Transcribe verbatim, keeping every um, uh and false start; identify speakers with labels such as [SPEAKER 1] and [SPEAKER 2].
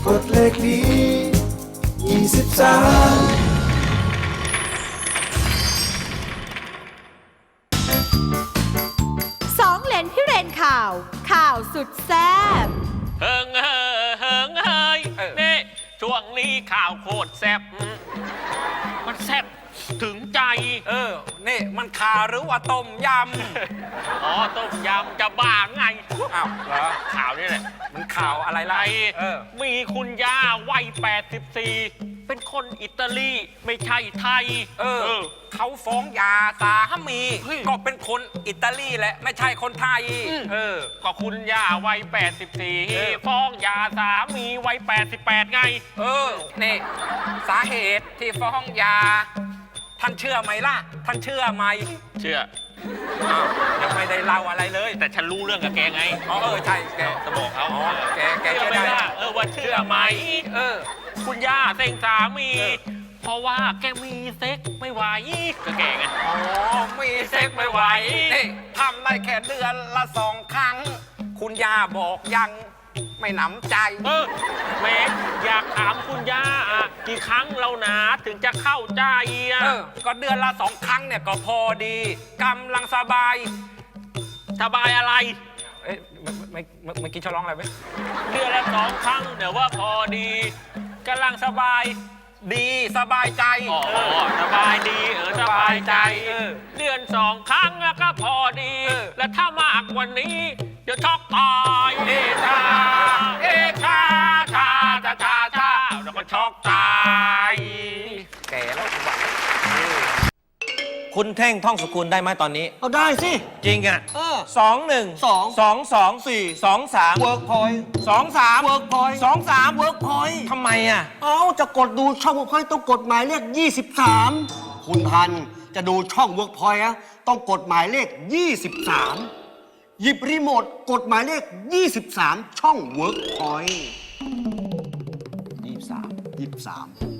[SPEAKER 1] กดเลขนี้ยี่สิบสาม
[SPEAKER 2] สองเหรนพี่เรนข่าว ข่าวสุดแซ่บ
[SPEAKER 3] เฮิงเฮอเฮิงเฮยนี่ช่วงนี้ข่าวโคตรแซ่บมันแซ่บถึงใจ
[SPEAKER 4] เออ นี่มันข่าหรือว่าต้มย
[SPEAKER 3] อ๋อต้มยำจะบ้าไง
[SPEAKER 4] ำ อ้าวเหรอ
[SPEAKER 3] ข่าวนี่แหละ
[SPEAKER 4] มันข่าวอะไรล่ะ
[SPEAKER 3] ไอ
[SPEAKER 4] เออ
[SPEAKER 3] มีคุณย่าวัยแปดสิบสี่เป็นคนอิตาลีไม่ใช่ไทย
[SPEAKER 4] เออ เขาฟ้องหยาสามี
[SPEAKER 3] เฮ้ย
[SPEAKER 4] ก็เป็นคนอิตาลีแหละ ไม่ใช่คนไทย เออ
[SPEAKER 3] ก็คุณย่าวัยแปดสิบสี่
[SPEAKER 4] เออ
[SPEAKER 3] ฟ้องหย่าสามีวัยแปดสิบแปดไง
[SPEAKER 4] เออ นี่ สาเหตุที่ฟ้องหยาท่านเชื่อไหมล่ะ ท่านเชื่อไหม
[SPEAKER 3] เชื่อ
[SPEAKER 4] อ้าวยังไม่ได้เล่าอะไรเลย
[SPEAKER 3] แต่ฉันรู้เรื่องกับแกไง
[SPEAKER 4] อ๋อเออใช่แก
[SPEAKER 3] จะบอกเขา
[SPEAKER 4] อ๋อแกแก
[SPEAKER 3] เชื่อ
[SPEAKER 4] เชื่อ
[SPEAKER 3] ไหม
[SPEAKER 4] ได้
[SPEAKER 3] ล่ะเออว่าเชื่อไหม
[SPEAKER 4] เออ
[SPEAKER 3] คุณย่าเซ็งสามี
[SPEAKER 4] เออ
[SPEAKER 3] เพราะว่าแกมีเซ็กไม่ไหวก็แกไง
[SPEAKER 4] อ๋อมีเซ็กไม่ไหวนี่ทำได้แค่เดือนละสองครั้ง คุณย่าบอกยังไม่หนำใจ
[SPEAKER 3] เออเมกอยากถามคุณย่าอ่ะกี่ครั้งเราหนาถึงจะเข้าใจอ่ะ
[SPEAKER 4] เออ ก็เดือนละสองครั้งเนี่ยก็พอดีกำลังสบาย
[SPEAKER 3] สบายอะไร
[SPEAKER 4] เอ๊ะเมื่อเมื่อเมื่อเมื่อกี้ชอร้องอะไรไหม
[SPEAKER 3] เดือนละสองครั้งเดี๋ยวว่าพอดีกำลังสบาย
[SPEAKER 4] ดีสบายใจ
[SPEAKER 3] อ๋อสบายดีเออสบายใจ
[SPEAKER 4] เออ
[SPEAKER 3] เดือนสองครั้งอะก็พอดี
[SPEAKER 4] เออ
[SPEAKER 3] และถ้ามากกว่านี้ เดี๋ยวช็อกตาย
[SPEAKER 4] เอชา เอชาชาชาชาชา
[SPEAKER 3] แล้วก็ช็อกตาย
[SPEAKER 4] แก่แล้วคุณหวัง
[SPEAKER 5] คุณเท่งท่องสกุลได้ไหมตอนนี้
[SPEAKER 6] เอาได้สิ
[SPEAKER 5] จริงอ่ะ
[SPEAKER 6] เออ
[SPEAKER 5] สองหนึ่ง
[SPEAKER 6] สอง
[SPEAKER 5] สองสอง
[SPEAKER 6] สี่
[SPEAKER 5] สองสาม
[SPEAKER 6] เวิร์กพอยต์
[SPEAKER 5] สองสาม
[SPEAKER 6] เวิร์กพอยต์
[SPEAKER 5] สองสาม
[SPEAKER 6] เวิร์กพอยต์
[SPEAKER 5] ทำไมอ่ะ
[SPEAKER 6] เอาจะกดดูช่องเวิร์กพอยต์ต้องกดหมายเลขยี่สิบสามคุณทันจะดูช่องเวิร์กพอยต์อะต้องกดหมายเลขยี่สิบสามหยิบรีโมทกดหมายเลขยี่สิบสามช่องเวิร์กพอยต์ยี่สิบสามยี่สิบสาม